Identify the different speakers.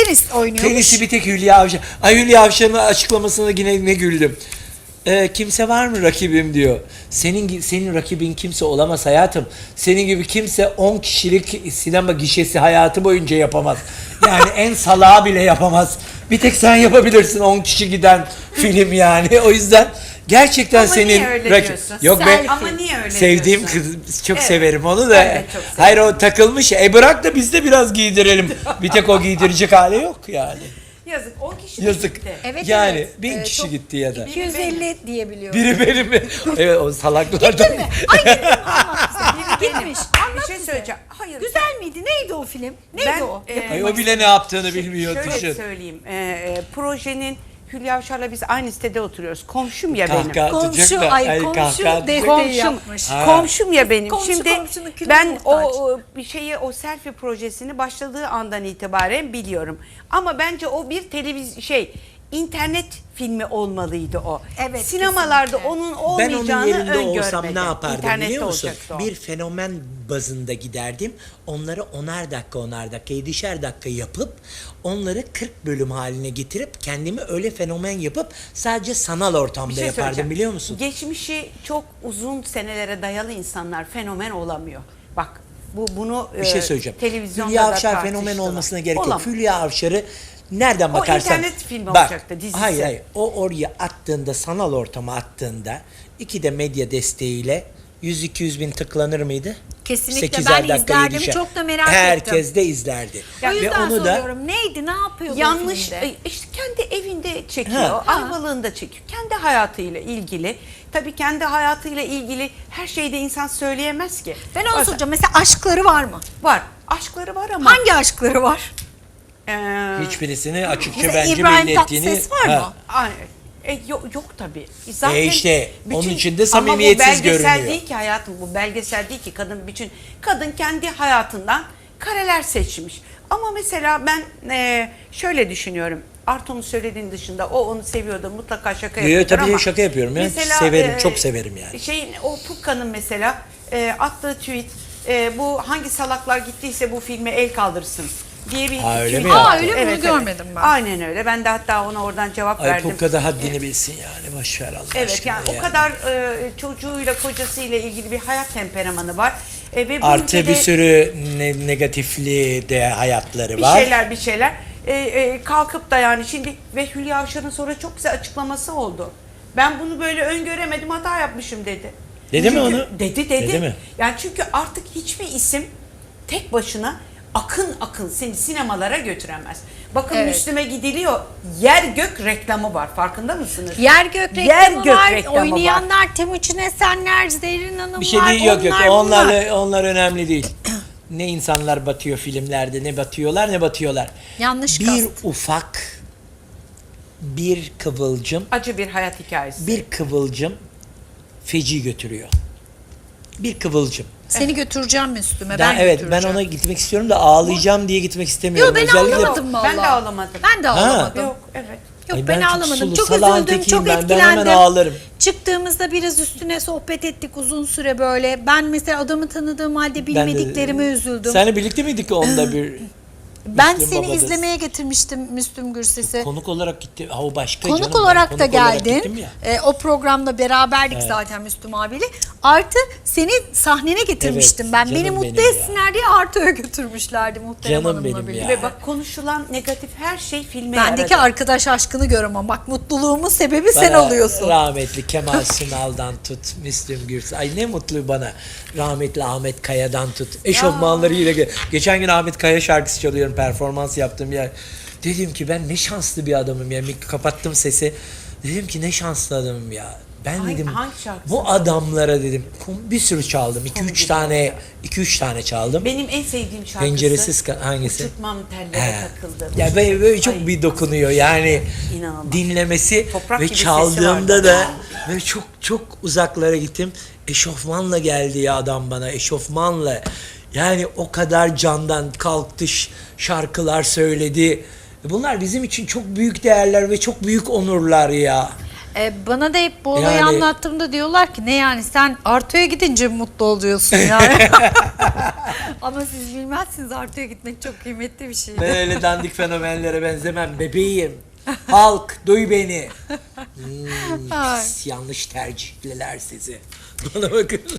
Speaker 1: tenis oynuyormuş.
Speaker 2: Tenisi bir tek Hülya Avşar. Ay Hülya Avşar'ın açıklamasına yine ne güldüm. Kimse var mı rakibim diyor. Senin rakibin kimse olamaz hayatım. Senin gibi kimse 10 kişilik sinema gişesi hayatı boyunca yapamaz. Yani en salağı bile yapamaz. Bir tek sen yapabilirsin 10 kişi giden film yani. O yüzden gerçekten
Speaker 3: Ama
Speaker 2: senin
Speaker 3: niye öyle diyorsun?
Speaker 2: Yok be.
Speaker 3: Ama niye öyle
Speaker 2: Sevdiğim
Speaker 3: diyorsun?
Speaker 2: kız çok
Speaker 3: Evet.
Speaker 2: severim onu da.
Speaker 3: Ben de çok severim.
Speaker 2: Hayır o takılmış. Bırak da biz de biraz giydirelim. Bir tek o giydirecek hali yok yani.
Speaker 3: Yazık 10 kişi de
Speaker 2: Yazık.
Speaker 3: gitti.
Speaker 1: Evet,
Speaker 2: Yani
Speaker 1: evet.
Speaker 2: 1000 kişi
Speaker 1: Çok-
Speaker 2: gitti ya da.
Speaker 1: 250 diyebiliyorum.
Speaker 2: Biri benim mi? Evet o salaklardan.
Speaker 1: Gittin mi? Ay gittim anlat bize.
Speaker 3: Benim.
Speaker 1: Gitmiş.
Speaker 3: Bir
Speaker 1: Anlat
Speaker 3: şey
Speaker 1: bize.
Speaker 3: söyleyeceğim. Hayır.
Speaker 1: Güzel miydi? Neydi o film? Neydi
Speaker 3: Ben,
Speaker 1: o?
Speaker 2: Ay o bile ne yaptığını bilmiyor.
Speaker 3: Şöyle
Speaker 2: Düşün.
Speaker 3: söyleyeyim. Projenin Hülya Avşar'la biz aynı sitede oturuyoruz. Komşum ya benim.
Speaker 2: Kahkaha atacak
Speaker 1: Komşu,
Speaker 2: da,
Speaker 1: ay komşu
Speaker 2: kahkaha atacak.
Speaker 1: desteği
Speaker 3: Komşum,
Speaker 1: yapmış.
Speaker 2: Ha.
Speaker 3: komşum ya benim.
Speaker 1: Komşu
Speaker 3: Şimdi
Speaker 1: komşunun külüne
Speaker 3: ben
Speaker 1: muhtaç.
Speaker 3: bir şeyi o selfie projesini başladığı andan itibaren biliyorum. Ama bence o bir internet filmi olmalıydı o.
Speaker 1: Evet,
Speaker 3: Sinemalarda
Speaker 1: kesinlikle.
Speaker 3: onun
Speaker 2: Ben
Speaker 3: olmayacağını
Speaker 2: onun yerinde
Speaker 3: öngörmedim.
Speaker 2: olsam ne yapardım
Speaker 3: İnternette
Speaker 2: biliyor musun?
Speaker 3: olacaktı o.
Speaker 2: Bir fenomen bazında giderdim. Onları 10'ar dakika, 7'şer dakika yapıp onları 40 bölüm haline getirip kendimi öyle fenomen yapıp sadece sanal
Speaker 3: Bir
Speaker 2: ortamda
Speaker 3: şey
Speaker 2: yapardım
Speaker 3: söyleyeceğim.
Speaker 2: biliyor musun?
Speaker 3: Geçmişi çok uzun senelere dayalı insanlar fenomen olamıyor. Bak bunu
Speaker 2: Bir şey söyleyeceğim.
Speaker 3: televizyonda
Speaker 2: Hülya
Speaker 3: da
Speaker 2: Avşar fenomen
Speaker 3: tartıştılar.
Speaker 2: olmasına gerek
Speaker 3: Olamaz.
Speaker 2: yok. Hülya Avşar'ı nereden bakarsan...
Speaker 3: internet filmi olacaktı, dizisi.
Speaker 2: Hayır. O oraya attığında, sanal ortama attığında iki de medya desteğiyle 100-200 bin tıklanır mıydı?
Speaker 1: Kesinlikle
Speaker 2: 8'er
Speaker 1: ben
Speaker 2: dakika,
Speaker 1: izlerdim.
Speaker 2: 7'şer.
Speaker 1: Çok da merak ettim.
Speaker 2: Herkes de izlerdi.
Speaker 1: O yüzden
Speaker 2: Ve onu da
Speaker 1: soruyorum. Neydi? Ne yapıyordu o
Speaker 3: Yanlış
Speaker 1: filmde?
Speaker 3: işte kendi evinde çekiyor,
Speaker 2: Ha.
Speaker 3: Ayvalık'ında çekiyor. Kendi hayatıyla ilgili. Tabii kendi hayatıyla ilgili her şeyde insan söyleyemez ki.
Speaker 1: Ben onu
Speaker 3: Bazen-
Speaker 1: soracağım. Mesela aşkları var mı?
Speaker 3: Var. Aşkları var ama.
Speaker 1: Hangi aşkları var?
Speaker 3: Eee,
Speaker 2: hiçbirisini açıkça
Speaker 1: Mesela
Speaker 2: bence
Speaker 1: İbrahim
Speaker 2: belli ettiğini...
Speaker 1: Tatlıses var mı?
Speaker 3: ay, yok tabii. Zaten
Speaker 2: işte onun içinde
Speaker 3: ama
Speaker 2: samimiyetsiz
Speaker 3: bu belgesel
Speaker 2: görünüyor.
Speaker 3: değil ki hayatım. Bu belgesel değil ki kadın kendi hayatından kareler seçmiş. Ama mesela ben şöyle düşünüyorum. Arto'nun söylediğin dışında o onu seviyordu mutlaka şaka yapıyordur
Speaker 2: Tabii
Speaker 3: ama.
Speaker 2: şaka yapıyorum ya. Severim, çok severim yani.
Speaker 3: O Pukka'nın mesela attığı tweet bu hangi salaklar gittiyse bu filme el kaldırsın diye bir
Speaker 2: Ha, öyle
Speaker 3: tweet
Speaker 2: mi
Speaker 3: attı.
Speaker 2: yaptı?
Speaker 1: öyle mi? Bunu görmedim ben.
Speaker 3: Aynen öyle. Ben de hatta ona oradan cevap
Speaker 2: Ay
Speaker 3: verdim.
Speaker 2: Pukka da haddini bilsin yani. Boş ver Allah
Speaker 3: Evet
Speaker 2: aşkına
Speaker 3: yani o kadar çocuğuyla kocasıyla ilgili bir hayat temperamanı var. Ve bu
Speaker 2: Artı
Speaker 3: ülkede
Speaker 2: bir sürü negatifli de hayatları
Speaker 3: bir
Speaker 2: var.
Speaker 3: şeyler kalkıp da yani şimdi ve Hülya Avşar'ın sonra çok güzel açıklaması oldu. Ben bunu böyle öngöremedim, hata yapmışım dedi.
Speaker 2: Dedi mi
Speaker 3: Çünkü-
Speaker 2: onu?
Speaker 3: Dedi.
Speaker 2: Dedi mi?
Speaker 3: Yani çünkü artık hiçbir isim tek başına akın seni sinemalara götüremez. Bakın
Speaker 1: Evet.
Speaker 3: Müslüm'e gidiliyor. Yer gök reklamı var. Farkında mısınız?
Speaker 1: Yer gök reklamı
Speaker 3: Yer gök
Speaker 1: var.
Speaker 3: reklamı var.
Speaker 1: Oynayanlar Temuçin Esenler, Zerrin Hanım
Speaker 2: Bir şey
Speaker 1: var.
Speaker 2: değil yok.
Speaker 1: bunlar.
Speaker 2: Onlar önemli değil. Ne insanlar batıyor filmlerde, ne batıyorlar ne batıyorlar.
Speaker 1: Yanlış
Speaker 2: Bir
Speaker 1: kast.
Speaker 2: ufak bir kıvılcım,
Speaker 3: Acı bir hayat hikayesi.
Speaker 2: bir kıvılcım feci götürüyor. Bir kıvılcım.
Speaker 1: Seni götüreceğim Müslüme.
Speaker 2: Ben,
Speaker 1: Ben
Speaker 2: evet ben
Speaker 1: götüreceğim.
Speaker 2: ona gitmek istiyorum da ağlayacağım diye gitmek istemiyorum.
Speaker 1: Yok ben
Speaker 2: Özellikle
Speaker 1: ağlamadım valla.
Speaker 3: Ben de ağlamadım.
Speaker 1: Ben de ağlamadım.
Speaker 3: Yok evet.
Speaker 1: Yok
Speaker 2: Ay,
Speaker 1: ben
Speaker 2: ben çok
Speaker 1: ağlamadım.
Speaker 2: sulu,
Speaker 1: Çok
Speaker 2: salağın
Speaker 1: üzüldüm,
Speaker 2: tekiyim
Speaker 1: çok
Speaker 2: ben. Ben
Speaker 1: etkilendim.
Speaker 2: hemen ağlarım.
Speaker 1: Çıktığımızda biraz üstüne sohbet ettik uzun süre böyle. Ben mesela adamı tanıdığım halde bilmediklerime üzüldüm.
Speaker 2: Seninle birlikte miydik onda bir?
Speaker 1: Ben
Speaker 2: Müslüm
Speaker 1: seni
Speaker 2: Baba'da?
Speaker 1: izlemeye getirmiştim Müslüm Gürses'i.
Speaker 2: Konuk olarak gitti. Ha o başka
Speaker 1: Konuk
Speaker 2: canım. Ben
Speaker 1: olarak da
Speaker 2: konuk olarak gittim
Speaker 1: geldin.
Speaker 2: ya.
Speaker 1: O programda beraberdik zaten Müslüm abiyle. Artı seni sahnene getirmiştim
Speaker 2: Evet,
Speaker 1: ben.
Speaker 2: canım
Speaker 1: Beni mutlu
Speaker 2: benim ya.
Speaker 1: etsinler diye Artı'ya götürmüşlerdi Muhterem
Speaker 2: Canım
Speaker 1: Hanım'la
Speaker 2: benim
Speaker 1: birlikte.
Speaker 2: ya.
Speaker 3: Ve bak konuşulan negatif her şey filme
Speaker 1: Bendeki
Speaker 3: yaradı.
Speaker 1: arkadaş aşkını göremem. Bak mutluluğumun sebebi sen
Speaker 2: Bana
Speaker 1: oluyorsun.
Speaker 2: Rahmetli Kemal Sunal'dan tut, Müslüm Gürses. Ay ne mutlu bana. Rahmetli Ahmet Kaya'dan tut. Eşofmanlarıyla. Geçen gün Ahmet Kaya şarkısı çalıyorum. Performans yaptığım yer. Dedim ki ben ne şanslı bir adamım ya. Kapattım sesi. Dedim ki ne şanslı adamım ya. Ben dedim
Speaker 3: hangi şarkısı?
Speaker 2: bu adamlara dedim bir sürü çaldım. 2-3 tane çaldım.
Speaker 3: Benim en sevdiğim şarkısı.
Speaker 2: Penceresiz hangisi?
Speaker 3: Uçurtmam tellere
Speaker 2: He.
Speaker 3: takıldı.
Speaker 2: Ya böyle çok
Speaker 3: Ay,
Speaker 2: bir dokunuyor yani
Speaker 3: İnanılmaz.
Speaker 2: dinlemesi
Speaker 3: Toprak
Speaker 2: ve
Speaker 3: gibi sesi
Speaker 2: çaldığımda
Speaker 3: vardı.
Speaker 2: da ve çok uzaklara gittim. Eşofmanla geldi ya adam bana eşofmanla. Yani o kadar candan kalktı şarkılar söyledi. Bunlar bizim için çok büyük değerler ve çok büyük onurlar ya.
Speaker 1: Bana da hep bu olayı
Speaker 2: Yani-
Speaker 1: anlattığımda diyorlar ki ne yani sen Arto'ya gidince mi mutlu oluyorsun yani. Ama siz bilmezsiniz, Arto'ya gitmek çok kıymetli bir şey.
Speaker 2: Ben öyle dandik fenomenlere benzemem bebeğim. Halk duy beni.
Speaker 1: Ay.
Speaker 2: Yanlış tercihliler sizi. Bana bakın.